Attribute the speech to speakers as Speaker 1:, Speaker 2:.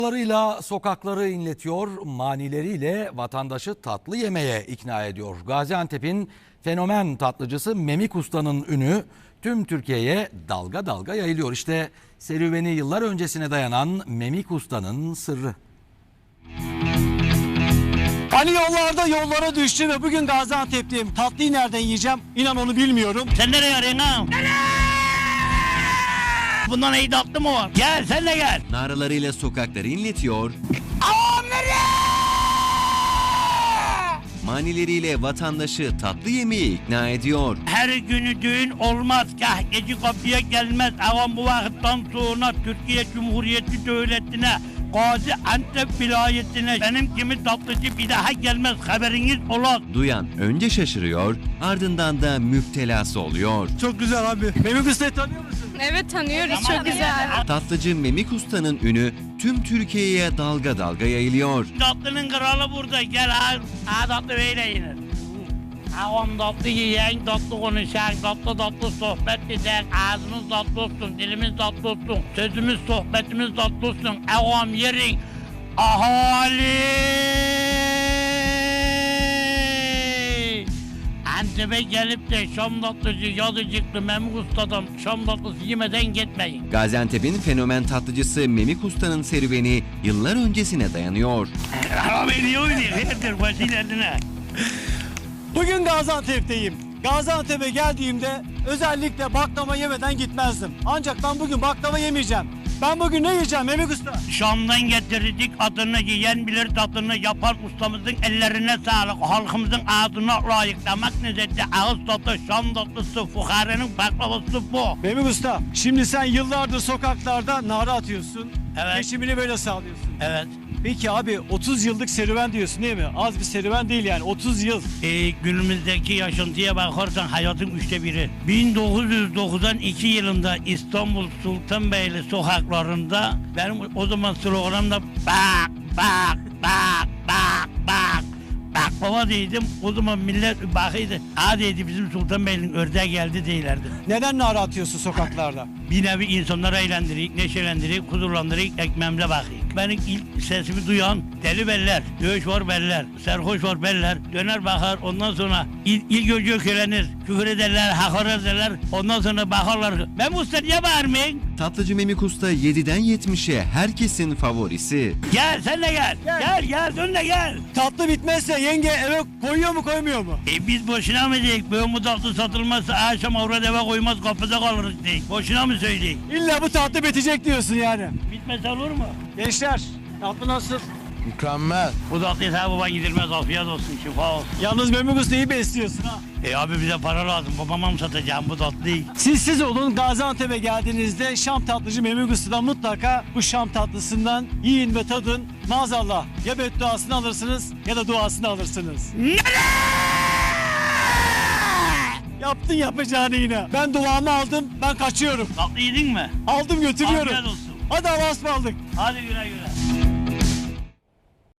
Speaker 1: Larıyla sokakları inletiyor, manileriyle vatandaşı tatlı yemeye ikna ediyor. Gaziantep'in fenomen tatlıcısı Memik Usta'nın ünü tüm Türkiye'ye dalga dalga yayılıyor. İşte serüveni yıllar öncesine dayanan Memik Usta'nın sırrı.
Speaker 2: Hani yollara düştü ve bugün Gaziantep'teyim. Tatlıyı nereden yiyeceğim? İnan onu bilmiyorum.
Speaker 3: Sen nereye arıyorsun ha? Bundan iyi tatlı mı var? Gel sen de gel.
Speaker 4: Naralarıyla sokakları inletiyor, manileriyle vatandaşı tatlı yemeye ikna ediyor.
Speaker 3: Her günü düğün olmaz. Kah gece kapıya gelmez. Ağam bu vakitten sonra Türkiye Cumhuriyeti Devleti'ne, Gaziantep vilayetine benim gibi tatlıcı bir daha gelmez. Haberiniz ola.
Speaker 4: Duyan önce şaşırıyor, ardından da müptelası oluyor.
Speaker 2: Çok güzel abi. Memik Usta'yı tanıyor musun?
Speaker 5: Evet tanıyoruz, çok güzel.
Speaker 4: Tatlıcı Memik Usta'nın ünü tüm Türkiye'ye dalga dalga yayılıyor.
Speaker 3: Tatlının kralı burada. Gel ha tatlı böyle yenir. Ağam tatlı yiyen, tatlı konuşan, tatlı sohbet eden, ağzımız tatlı olsun, dilimiz tatlı olsun, sözümüz, sohbetimiz tatlı olsun. Ağam yerin, ahali! Antep'e gelip de Şam tatlıcı, yazıcıklı Memik Usta'dan Şam tatlısı yemeden gitmeyin.
Speaker 4: Gaziantep'in fenomen tatlıcısı Memik Usta'nın serüveni yıllar öncesine dayanıyor.
Speaker 3: Ağam iyi oynuyor, herdir başı ilerine.
Speaker 2: Bugün Gaziantep'teyim. Gaziantep'e geldiğimde özellikle baklava yemeden gitmezdim. Ancak ben bugün baklava yemeyeceğim. Ben bugün ne yiyeceğim Memik Usta?
Speaker 3: Şam'dan getirdik adını yiyen bilir tadını yapan ustamızın ellerine sağlık. Halkımızın ağzına layık damak lezzeti ağız tadı Şam tatlısı fukarenin baklavası bu.
Speaker 2: Memik Usta, şimdi sen yıllardır sokaklarda nara atıyorsun.
Speaker 3: Evet.
Speaker 2: Geçimini böyle sağlıyorsun.
Speaker 3: Evet.
Speaker 2: Peki abi 30 yıllık serüven diyorsun değil mi? Az bir serüven değil yani 30 yıl.
Speaker 3: Günümüzdeki yaşantıya bakarsan hayatın 1/3. 1992 yılında İstanbul Sultanbeyli sokaklarında benim o zaman sloganım da bak. Baklava dedim. O zaman millet bakıydı. Dedi bizim Sultanbeyli'nin ördeği geldi değillerdi.
Speaker 2: Neden nara atıyorsun sokaklarda?
Speaker 3: Bir nevi insanları eğlendirik, neşelendirik, huzurlandırık, ekmeğimize bakıyık. Benim ilk sesimi duyan deli beller, dövüş var beller, serhoş var beller, döner bakar, ondan sonra ilk önce ökelenir, küfür ederler, hakaret ederler, ondan sonra bakarlar. Ben usta niye bağırmayın?
Speaker 4: Tatlıcı Memik Usta 7'den 70'e herkesin favorisi.
Speaker 3: Gel sen de gel, gel dön de gel.
Speaker 2: Tatlı bitmezse yenge eve koyuyor mu koymuyor mu?
Speaker 3: Biz boşuna mı dedik, böyle bu tatlı satılmazsa akşam avrat eve koymaz kapıda kalırız dedik. Boşuna mı söyledik?
Speaker 2: İlla bu tatlı bitecek diyorsun yani.
Speaker 3: Bitmez olur mu?
Speaker 2: Gençler tatlı nasıl?
Speaker 6: Mükemmel.
Speaker 3: Bu tatlıyı baban gidilmez, afiyet olsun, şifa olsun.
Speaker 2: Yalnız Memik Usta iyi besliyorsun ha.
Speaker 3: Abi bize para lazım, babama mı satacağım bu tatlıyı?
Speaker 2: Siz olun Gaziantep'e geldiğinizde Şam tatlıcı Memik Usta'dan mutlaka bu Şam tatlısından yiyin ve tadın. Maazallah ya bedduasını alırsınız ya da duasını alırsınız. Yaptın yapacağını yine. Ben duamı aldım, ben kaçıyorum.
Speaker 3: Tatlı yedin mi?
Speaker 2: Aldım götürüyorum.
Speaker 3: Afiyet olsun.
Speaker 2: Hadi Allah'a ısmarladık.
Speaker 3: Hadi güle güle.